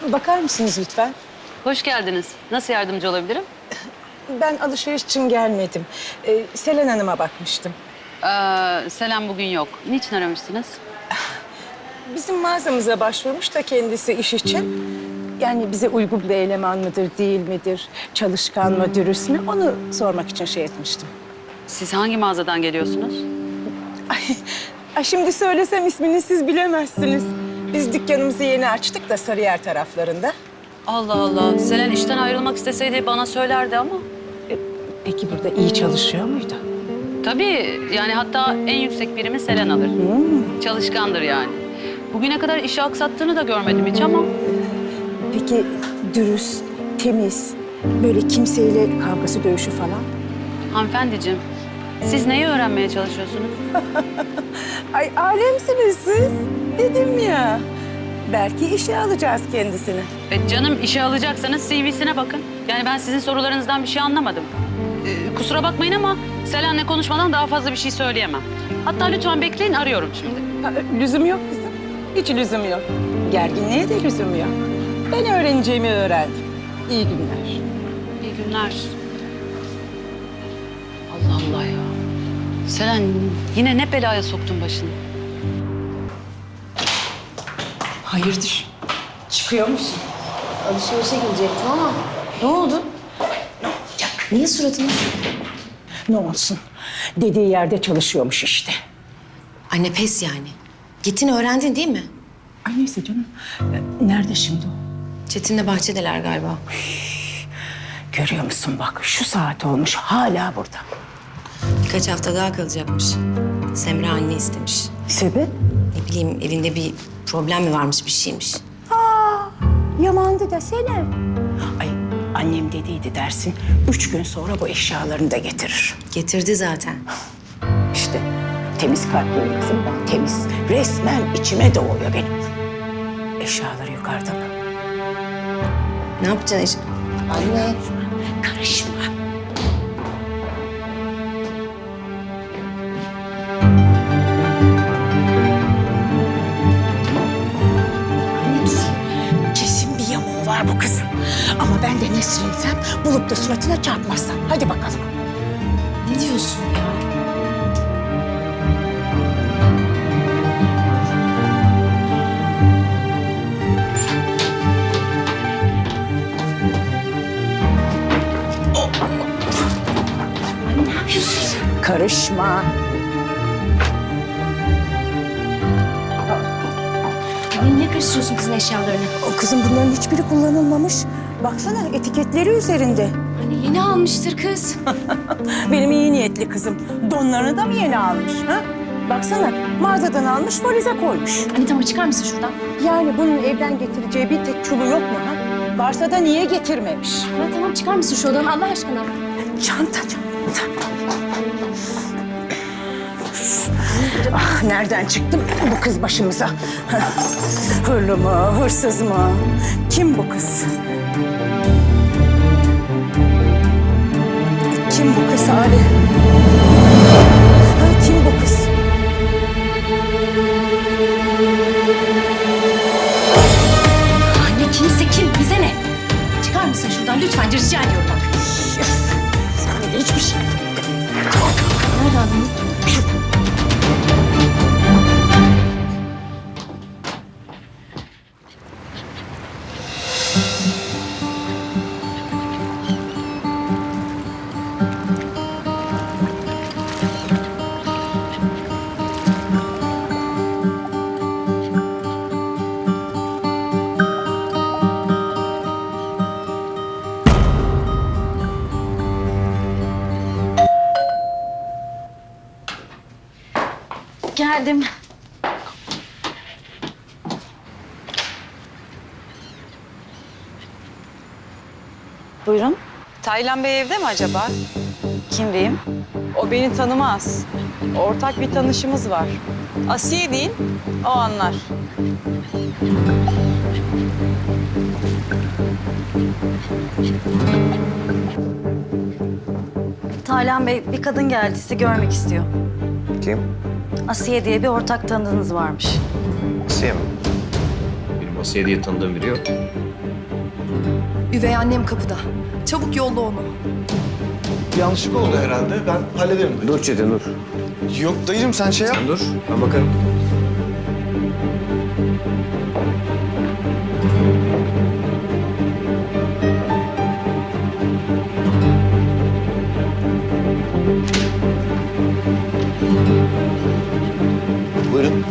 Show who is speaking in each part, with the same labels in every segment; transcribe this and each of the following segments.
Speaker 1: Bakar mısınız lütfen?
Speaker 2: Hoş geldiniz. Nasıl yardımcı olabilirim?
Speaker 1: Ben alışveriş için gelmedim. Selen Hanım'a bakmıştım.
Speaker 2: Selam bugün yok. Niçin aramıştınız?
Speaker 1: Bizim mağazamıza başvurmuş da kendisi iş için. Yani bize uygun bir eleman mıdır, değil midir? Çalışkan mı, dürüst mü? Onu sormak için şey etmiştim.
Speaker 2: Siz hangi mağazadan geliyorsunuz?
Speaker 1: Ay şimdi söylesem ismini siz bilemezsiniz. Biz dükkanımızı yeni açtık da Sarıyer taraflarında.
Speaker 2: Allah Allah. Selen işten ayrılmak isteseydi bana söylerdi ama.
Speaker 1: Peki burada iyi çalışıyor muydu?
Speaker 2: Tabii yani hatta en yüksek birimi Selen alır. Çalışkandır yani. Bugüne kadar işi aksattığını da görmedim hiç ama.
Speaker 1: Peki dürüst, temiz, böyle kimseyle kavgası, dövüşü falan?
Speaker 2: Hanımefendiciğim, siz neyi öğrenmeye çalışıyorsunuz?
Speaker 1: Ay alemsiniz siz. Dedim ya. Belki işe alacağız kendisini.
Speaker 2: Canım işe alacaksanız CV'sine bakın. Yani ben sizin sorularınızdan bir şey anlamadım. Kusura bakmayın ama Selen'le konuşmadan daha fazla bir şey söyleyemem. Hatta lütfen bekleyin, arıyorum şimdi.
Speaker 1: Lüzum yok kızım. Hiç lüzum yok. Gerginliğe de lüzum yok. Ben öğreneceğimi öğrendim. İyi günler.
Speaker 2: İyi günler. Allah Allah ya. Selen yine ne belaya soktun başını?
Speaker 1: Hayırdır? Çıkıyor musun?
Speaker 3: Alışverişe girecektim ama ne oldu?
Speaker 1: Ne olacak?
Speaker 3: Niye suratını?
Speaker 1: Ne olsun? Dediği yerde çalışıyormuş işte.
Speaker 3: Anne pes yani. Gittin öğrendin değil mi?
Speaker 1: Ay neyse canım. Nerede şimdi o?
Speaker 3: Çetin'le bahçedeler galiba.
Speaker 1: Görüyor musun bak şu saat olmuş hala burada.
Speaker 3: Birkaç hafta daha kalacakmış. Semra anne istemiş.
Speaker 1: Sebep?
Speaker 3: Ne bileyim evinde bir problem mi varmış bir şeymiş.
Speaker 1: Yamandı desene. Ay annem dediydi dersin. 3 gün sonra bu eşyalarını da getirir.
Speaker 3: Getirdi zaten.
Speaker 1: İşte temiz kalpliyim kızım ben temiz. Resmen içime doğuyor benim. Eşyaları yukarıda mı?
Speaker 3: Ne yapacaksın Anne.
Speaker 1: Karışma.
Speaker 3: Anne dur.
Speaker 1: Kesin bir yamuğu var bu kızın. Ama ben de Nesrin'sem bulup da suratına çarpmazsam. Hadi bakalım.
Speaker 3: Ne diyorsun ya? Anne ne yapıyorsun?
Speaker 1: Karışma.
Speaker 3: Anne niye karıştırıyorsun kızın eşyalarını?
Speaker 1: O kızın bunların hiçbiri kullanılmamış. Baksana etiketleri üzerinde.
Speaker 3: Anne yeni almıştır kız.
Speaker 1: Benim iyi niyetli kızım. Donlarını da mı yeni almış? Ha? Baksana mağazadan almış valize koymuş.
Speaker 3: Anne tamam çıkar mısın şuradan?
Speaker 1: Yani bunun evden getireceği bir tek çulu yok mu? Ha? Varsa da niye getirmemiş?
Speaker 3: Anne tamam çıkar mısın şu odadan Allah aşkına?
Speaker 1: Çanta. Ah, nereden çıktı bu kız başımıza? Hırlı mı, hırsız mı? Kim bu kız? Kim bu kız Ali? Ha, kim bu kız?
Speaker 3: Anne kimse kim? Bize ne? Çıkar mısın şuradan lütfen rica ediyorum bak.
Speaker 1: Sana da hiçbir şey.
Speaker 3: Nerede aldın? Geldim.
Speaker 4: Buyurun.
Speaker 5: Taylan Bey evde mi acaba?
Speaker 4: Kim diyeyim?
Speaker 5: O beni tanımaz. Ortak bir tanışımız var. Asiye değil, o anlar.
Speaker 4: Taylan Bey, bir kadın geldi sizi görmek istiyor.
Speaker 6: Kim?
Speaker 4: Asiye diye bir ortak tanıdığınız varmış.
Speaker 6: Asiye mi? Benim Asiye diye tanıdığım biri yok. Üvey annem kapıda. Çabuk yolla onu.
Speaker 7: Yanlışlık oldu herhalde. Ben hallederim dayı.
Speaker 8: Dur Çetin dur.
Speaker 7: Yok dayıcım sen şey yap.
Speaker 8: Sen dur. Ben bakarım. Buyurun.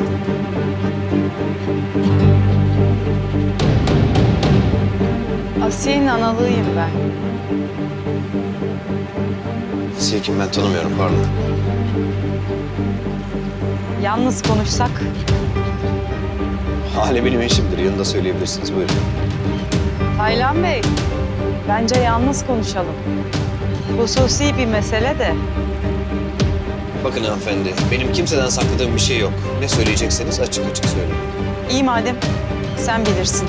Speaker 5: Asiye'nin analığıyım ben.
Speaker 8: Sizi kim ben tanımıyorum pardon.
Speaker 5: Yalnız konuşsak.
Speaker 8: Hale benim eşimdir. Yanında söyleyebilirsiniz. Buyurun.
Speaker 5: Taylan Bey, bence yalnız konuşalım. Hususi bir mesele de.
Speaker 8: Bakın hanımefendi, benim kimseden sakladığım bir şey yok. Ne söyleyecekseniz açık açık söyleyin.
Speaker 5: İyi madem, sen bilirsin.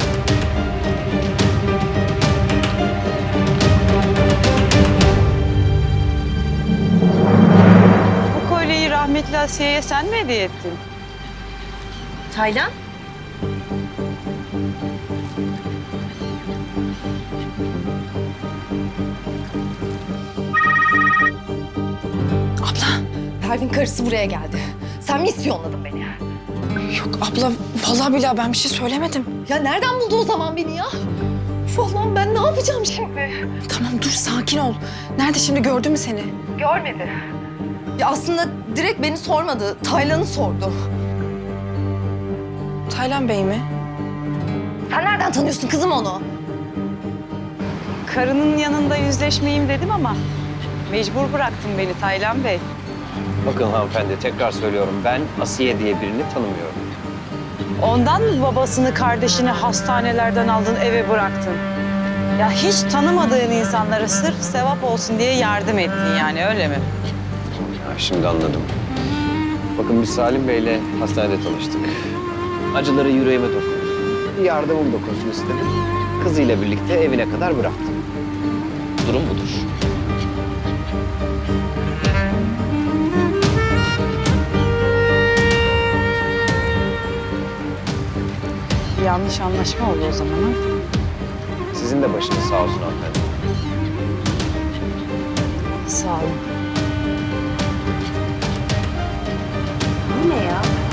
Speaker 5: Bu kolyeyi rahmetli Asiye'ye sen mi hediye ettin?
Speaker 3: Taylan?
Speaker 6: Pervin karısı buraya geldi. Sen mi ispiyonladın beni?
Speaker 9: Yok abla, vallahi billahi ben bir şey söylemedim.
Speaker 6: Ya nereden buldu o zaman beni ya? Uf Allah'ım ben ne yapacağım şimdi?
Speaker 9: Tamam dur, sakin ol. Nerede şimdi, gördü mü seni?
Speaker 6: Görmedi. Ya aslında direkt beni sormadı. Taylan'ı sordu.
Speaker 9: Taylan Bey mi?
Speaker 6: Sen nereden tanıyorsun kızım onu?
Speaker 5: Karının yanında yüzleşmeyeyim dedim ama mecbur bıraktın beni Taylan Bey.
Speaker 8: Bakın hanımefendi, tekrar söylüyorum. Ben Asiye diye birini tanımıyorum.
Speaker 5: Ondan mı babasını, kardeşini hastanelerden aldın, eve bıraktın? Ya hiç tanımadığın insanlara sırf sevap olsun diye yardım ettin yani, öyle mi?
Speaker 8: Ha, şimdi anladım. Bakın biz Salim Bey'le hastanede tanıştık. Acıları yüreğime dokundu. Bir yardımım dokunsun istedim. Kızıyla birlikte evine kadar bıraktım. Durum budur.
Speaker 5: Bir yanlış anlaşma oldu o zaman ha?
Speaker 8: Sizin de başınız sağ olsun hanımefendi.
Speaker 5: Sağ olun.
Speaker 1: Bu ne ya?